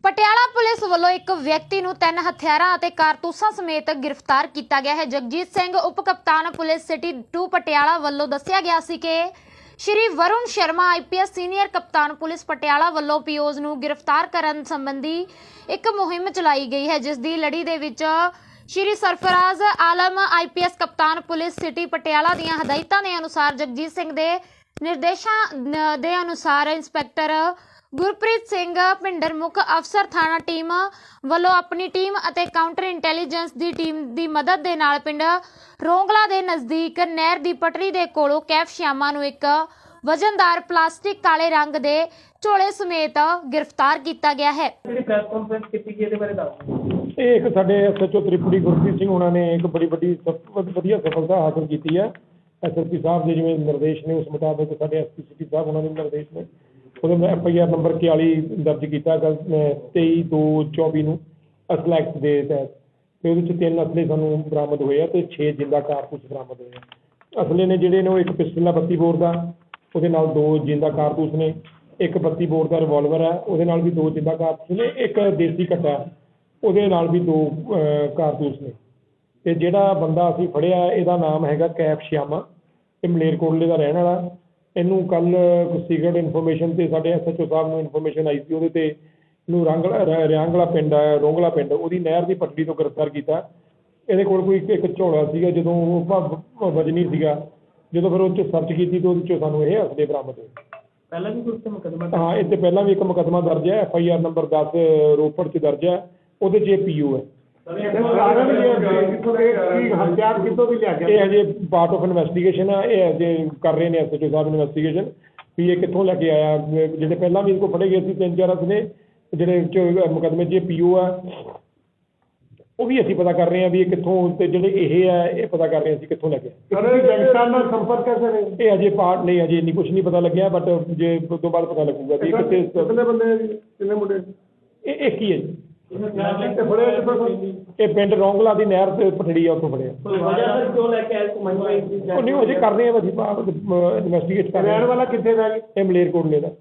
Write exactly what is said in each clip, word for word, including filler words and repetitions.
Patiala police ਵੱਲੋਂ ਇੱਕ ਵਿਅਕਤੀ ਨੂੰ ਤਿੰਨ ਹਥਿਆਰਾਂ ਅਤੇ ਕਾਰਤੂਸਾਂ ਸਮੇਤ ਗ੍ਰਿਫਤਾਰ ਕੀਤਾ ਗਿਆ ਹੈ। ਜਗਜੀਤ ਸਿੰਘ ਉਪ ਕਪਤਾਨ ਪੁਲਿਸ ਸਿਟੀ ਦੋ ਪਟਿਆਲਾ ਵੱਲੋਂ ਦੱਸਿਆ ਗਿਆ ਸੀ ਕਿ ਸ਼੍ਰੀ ਵਰੁਣ ਸ਼ਰਮਾ ਆਈਪੀਐਸ ਸੀਨੀਅਰ ਕਪਤਾਨ ਪੁਲਿਸ ਪਟਿਆਲਾ ਵੱਲੋਂ ਪੀਓਜ਼ ਨੂੰ ਗ੍ਰਿਫਤਾਰ ਕਰਨ ਸੰਬੰਧੀ ਇੱਕ ਮੁਹਿੰਮ ਚਲਾਈ ਗਈ ਹੈ, ਜਿਸ ਦੀ ਲੜੀ ਦੇ ਵਿੱਚ ਸ਼੍ਰੀ ਸਰਫਰਾਜ਼ ਆਲਮ ਆਈਪੀਐਸ ਕਪਤਾਨ ਪੁਲਿਸ ਸਿਟੀ ਪਟਿਆਲਾ ਦੀਆਂ ਹਦਾਇਤਾਂ ਦੇ ਅਨੁਸਾਰ ਜਗਜੀਤ ਸਿੰਘ ਦੇ ਨਿਰਦੇਸ਼ਾਂ ਦੇ ਅਨੁਸਾਰ ਇੰਸਪੈਕਟਰ ਗੁਰਪ੍ਰੀਤ ਸਿੰਘ ਭਿੰਡਰ ਮੁੱਖ ਅਫਸਰ ਥਾਣਾ ਟੀਮ ਵੱਲੋਂ ਆਪਣੀ ਟੀਮ ਅਤੇ ਕਾਊਂਟਰ ਇੰਟੈਲੀਜੈਂਸ ਦੀ ਟੀਮ ਦੀ ਮਦਦ ਦੇ ਨਾਲ ਪਿੰਡ ਰੋਂਗਲਾ ਦੇ ਨਜ਼ਦੀਕ ਨਹਿਰ ਦੀ ਪਟੜੀ ਦੇ ਕੋਲੋਂ ਕੈਫ ਸ਼ਿਆਮਾ ਨੂੰ ਇੱਕ ਵਜ਼ਨਦਾਰ ਪਲਾਸਟਿਕ ਕਾਲੇ ਰੰਗ ਦੇ ਝੋਲੇ ਸਮੇਤ ਗ੍ਰਿਫਤਾਰ ਕੀਤਾ ਗਿਆ ਹੈ। ਜਿਹੜੀ ਪ੍ਰੈਸ ਕਾਨਫਰੰਸ ਕੀਤੀ ਗਈ ਇਹਦੇ ਬਾਰੇ ਦੱਸੋ। ਇਹ ਇੱਕ ਸਾਡੇ ਐਸਐਚਓ ਤ੍ਰਿਪੜੀ ਗੁਰਪ੍ਰੀਤ ਸਿੰਘ ਉਹਨਾਂ ਨੇ ਇੱਕ ਬੜੀ ਵੱਡੀ ਸਫ- ਵਧੀਆ ਸਫਲਤਾ ਹਾਸਲ ਕੀਤੀ ਹੈ। ਐਸਐਸਪੀ ਸਾਹਿਬ ਦੇ ਜਿਵੇਂ ਨਿਰਦੇਸ਼ ਨੇ ਉਸ ਮੁਤਾਬਕ ਸਾਡੇ ਐਸਪੀ ਸਿਟੀ ਸਾਹਿਬ ਉਹਨਾਂ ਦੇ ਨਿਰਦੇਸ਼ ਨੇ ਉਹਦੇ ਮੈਂ ਐਫ ਆਈ ਆਰ ਨੰਬਰ ਇਕਤਾਲੀ ਦਰਜ ਕੀਤਾ ਕੱਲ ਤੇਈ ਦੋ ਚੌਵੀ ਨੂੰ ਅਸਲਾ ਐਕਟ ਦੇ ਤਹਿਤ, ਤੇ ਉਹਦੇ 'ਚ ਤਿੰਨ ਅਸਲੇ ਸਾਨੂੰ ਬਰਾਮਦ ਹੋਏ ਆ ਤੇ ਛੇ ਜਿੰਦਾ ਕਾਰਤੂਸ ਬਰਾਮਦ ਹੋਏ ਆ। ਅਸਲੇ ਨੇ ਜਿਹੜੇ ਨੇ ਉਹ ਇੱਕ ਪਿਸਟਲ ਆ ਬੱਤੀ ਬੋਰ ਦਾ, ਉਹਦੇ ਨਾਲ ਦੋ ਜਿੰਦਾ ਕਾਰਤੂਸ ਨੇ, ਇੱਕ ਬੱਤੀ ਬੋਰ ਦਾ ਰਿਵਾਲਵਰ ਹੈ ਉਹਦੇ ਨਾਲ ਵੀ ਦੋ ਜਿੰਦਾ ਕਾਰਤੂਸ ਨੇ, ਇੱਕ ਦੇਸੀ ਕੱਟਾ ਉਹਦੇ ਨਾਲ ਵੀ ਦੋ ਕਾਰਤੂਸ ਨੇ। ਤੇ ਜਿਹੜਾ ਬੰਦਾ ਅਸੀਂ ਫੜਿਆ ਇਹਦਾ ਨਾਮ ਹੈਗਾ ਕੈਫ ਸ਼ਿਆਮਾ, ਇਹ ਮਲੇਰਕੋਟਲੇ ਦਾ ਰਹਿਣ ਵਾਲਾ। ਇਹਨੂੰ ਕੱਲ੍ਹ ਸੀਕਰਟ ਇਨਫੋਰਮੇਸ਼ਨ ਤੇ ਸਾਡੇ ਐਸ ਐਚ ਓ ਸਾਹਿਬ ਨੂੰ ਇਨਫੋਰਮੇਸ਼ਨ ਆਈ ਸੀ, ਉਹਦੇ ਤੇ ਇਹਨੂੰ ਰੰਗਲਾ ਰਿਆਂਗਲਾ ਪਿੰਡ ਹੈ ਰੋਂਗਲਾ ਪਿੰਡ ਉਹਦੀ ਨਹਿਰ ਦੀ ਪਟੜੀ ਤੋਂ ਗ੍ਰਿਫਤਾਰ ਕੀਤਾ। ਇਹਦੇ ਕੋਲ ਕੋਈ ਇੱਕ ਝੋਲਾ ਸੀਗਾ, ਜਦੋਂ ਉਹ ਵਜਨੀ ਸੀਗਾ, ਜਦੋਂ ਫਿਰ ਉਹ 'ਚ ਸਰਚ ਕੀਤੀ ਤਾਂ ਉਹਦੇ 'ਚੋਂ ਸਾਨੂੰ ਇਹ ਅਸਲੇ ਬਰਾਮਦ ਹੋਏ। ਪਹਿਲਾਂ ਵੀ ਕੋਈ ਮੁਕੱਦਮਾ? ਹਾਂ, ਇਹ 'ਤੇ ਪਹਿਲਾਂ ਵੀ ਇੱਕ ਮੁਕੱਦਮਾ ਦਰਜ ਹੈ, ਐਫ ਆਈ ਆਰ ਨੰਬਰ ਦਸ ਰੋਪੜ 'ਚ ਦਰਜ ਹੈ, ਉਹਦੇ 'ਚ ਇਹ ਪੀ ਯੂ ਹੈ। ਇਹ ਅਜੇ ਪਾਰਟ ਆਫ ਇਨਵੈਸਟੀਗੇਸ਼ਨ ਆ, ਇਹ ਅਜੇ ਕਰ ਰਹੇ ਨੇ ਐਸ ਐਚ ਓ ਸਾਹਿਬ ਇਨਵੈਸਟੀਗੇਸ਼ਨ ਵੀ ਇਹ ਕਿੱਥੋਂ ਲੈ ਕੇ ਆਇਆ। ਜਿਹੜੇ ਪਹਿਲਾਂ ਵੀ ਇਹਦੇ ਕੋਲ ਫੜੇ ਗਏ ਸੀ ਤਿੰਨ ਚਾਰ ਅਸਲੇ ਜਿਹੜੇ ਮੁਕੱਦਮੇ 'ਚ ਇਹ ਪੀ ਯੂ ਆ, ਉਹ ਵੀ ਅਸੀਂ ਪਤਾ ਕਰ ਰਹੇ ਹਾਂ ਵੀ ਇਹ ਕਿੱਥੋਂ, ਤੇ ਜਿਹੜੇ ਇਹ ਹੈ ਇਹ ਪਤਾ ਕਰ ਰਹੇ ਹਾਂ ਅਸੀਂ ਕਿੱਥੋਂ ਲੈ ਕੇ ਆਏ। ਸੰਪਰਕ ਕਰ ਇਹ ਅਜੇ ਪਾਰਟ ਨਹੀਂ, ਅਜੇ ਇੰਨੀ ਕੁਛ ਨਹੀਂ ਪਤਾ ਲੱਗਿਆ, ਬਟ ਜੇ ਉਸ ਤੋਂ ਬਾਅਦ ਪਤਾ ਲੱਗੂਗਾ ਵੀ ਕਿੱਥੇ ਕਿੰਨੇ ਬੰਦੇ ਕਿੰਨੇ ਮੁੰਡੇ? ਇਹ ਇੱਕ ਹੀ ਹੈ ਜੀ। ਇਹ ਪਿੰਡ ਰੋਂਗਲਾ ਦੀ ਨਹਿਰ ਤੇ ਪਟੜੀ ਆ, ਉੱਥੋਂ ਫੜਿਆ। ਕਿਉਂ ਲੈ ਕੇ ਆਏ? ਉਹ ਨਹੀਂ ਅਜੇ ਕਰ ਰਹੇ ਆ, ਅਸੀਂ ਇਨਵੈਸਟੀਗੇਟ ਕਰ ਰਹੇ ਹਾਂ। ਰਹਿਣ ਵਾਲਾ ਕਿੱਥੇ ਦਾ? ਇਹ ਮਲੇਰਕੋਟਲੇ ਦਾ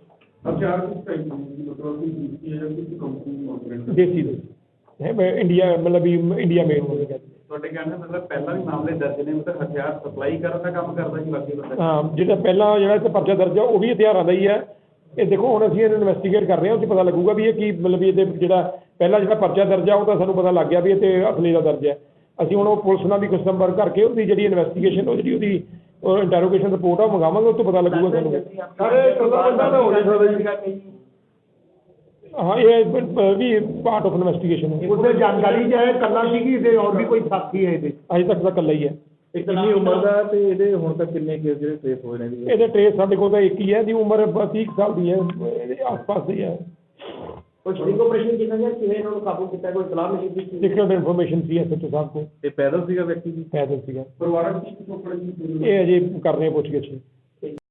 ਦੇਸੀ ਦੇ ਹੈ, ਇੰਡੀਆ ਮਤਲਬ ਵੀ ਇੰਡੀਆ ਮੇਡ ਹੋਵੇਗਾ। ਤੁਹਾਡੇ ਕਹਿੰਦੇ ਮਤਲਬ ਪਹਿਲਾਂ ਵੀ ਮਾਮਲੇ ਦਰਜ ਨੇ, ਮਤਲਬ ਹਥਿਆਰ ਸਪਲਾਈ ਕਰਨ ਦਾ ਕੰਮ ਕਰਦਾ ਜੀ ਬਾਕੀ ਬੰਦਾ? ਹਾਂ, ਜਿਹੜਾ ਪਹਿਲਾਂ ਜਿਹੜਾ ਇੱਥੇ ਪਰਚਾ ਦਰਜ ਆ ਉਹ ਵੀ ਹਥਿਆਰਾਂ ਦਾ ਹੀ ਹੈ। ਇਹ ਦੇਖੋ ਹੁਣ ਅਸੀਂ ਇਹਨੂੰ ਇਨਵੈਸਟੀਗੇਟ ਕਰ ਰਹੇ ਹਾਂ, ਉਹ 'ਚ ਪਤਾ ਲੱਗੂਗਾ ਵੀ ਇਹ ਕੀ ਮਤਲਬ ਵੀ ਇਹਦੇ ਜਿਹੜਾ ਪਹਿਲਾਂ ਜਿਹੜਾ ਪਰਚਾ ਦਰਜ ਆ ਉਹ ਤਾਂ ਸਾਨੂੰ ਪਤਾ ਲੱਗ ਗਿਆ ਵੀ ਇਹ 'ਤੇ ਅਸਲੀ ਦਾ ਦਰਜ ਹੈ। ਅਸੀਂ ਹੁਣ ਉਹ ਪੁਲਿਸ ਨਾਲ ਵੀ ਕੁਝ ਸੰਪਰਕ ਕਰਕੇ ਉਹਦੀ ਜਿਹੜੀ ਇਨਵੈਸਟੀਗੇਸ਼ਨ ਉਹ ਜਿਹੜੀ ਉਹਦੀ ਇੰਟਰੋਗੇਸ਼ਨ ਰਿਪੋਰਟ ਆ ਉਹ ਮੰਗਾਵਾਂਗੇ, ਉਹ ਤੋਂ ਪਤਾ ਲੱਗੂਗਾ ਸਾਨੂੰ। ਹਾਂ, ਇਹ ਵੀ ਪਾਰਟ ਆਫ ਇਨਵੈਸਟੀਗੇਸ਼ਨ ਹੈ। ਉਹਦੇ ਜਾਣਕਾਰੀ ਜਾਏ ਕੱਲਾ ਸੀ ਕਿ ਇਹਦੇ ਹੋਰ ਵੀ ਕੋਈ ਸਾਥੀ ਹੈ ਇਹਦੇ? ਅਜੇ ਤੱਕ ਤਾਂ ਇਕੱਲਾ ਹੀ ਹੈ। ਕਿੰਨੀ ਉਮਰ ਦਾ ਤੇ ਇਹਦੇ ਹੁਣ ਤੱਕ ਕਿੰਨੇ ਕੇਸ ਜਿਹੜੇ ਟ੍ਰੇਸ ਹੋਏ ਨੇ? ਇਹਦੇ ਟ੍ਰੇਸ ਸਾਡੇ ਕੋਲ ਤਾਂ ਇੱਕ ਹੀ ਹੈ, ਦੀ ਉਮਰ ਤੀਹ ਸਾਲ ਦੀ ਹੈ, ਇਹਦੇ ਆਸ-ਪਾਸ ਹੀ ਹੈ। ਕੋਈ ਸਟਿੰਗ ਆਪਰੇਸ਼ਨ ਕੀਤਾ ਗਿਆ, ਕਿਵੇਂ ਇਹਨਾਂ ਨੂੰ ਕਾਬੂ ਕੀਤਾ, ਕੋਈ ਸਲਾਹ ਮਿਲੀ ਸੀ? ਸੀਕ੍ਰੇਟ ਇਨਫੋਰਮੇਸ਼ਨ ਸੀ ਐਸ ਐਚ ਓ ਸਾਹਿਬ ਕੋਲ। ਇਹ ਪੈਦਲ ਸੀਗਾ ਵਿਅਕਤੀ ਜੀ? ਪੈਦਲ ਸੀਗਾ। ਪਰਿਵਾਰਕ ਇਹ ਅਜੇ ਕਰ ਰਹੇ ਪੁੱਛ ਗਿੱਛ।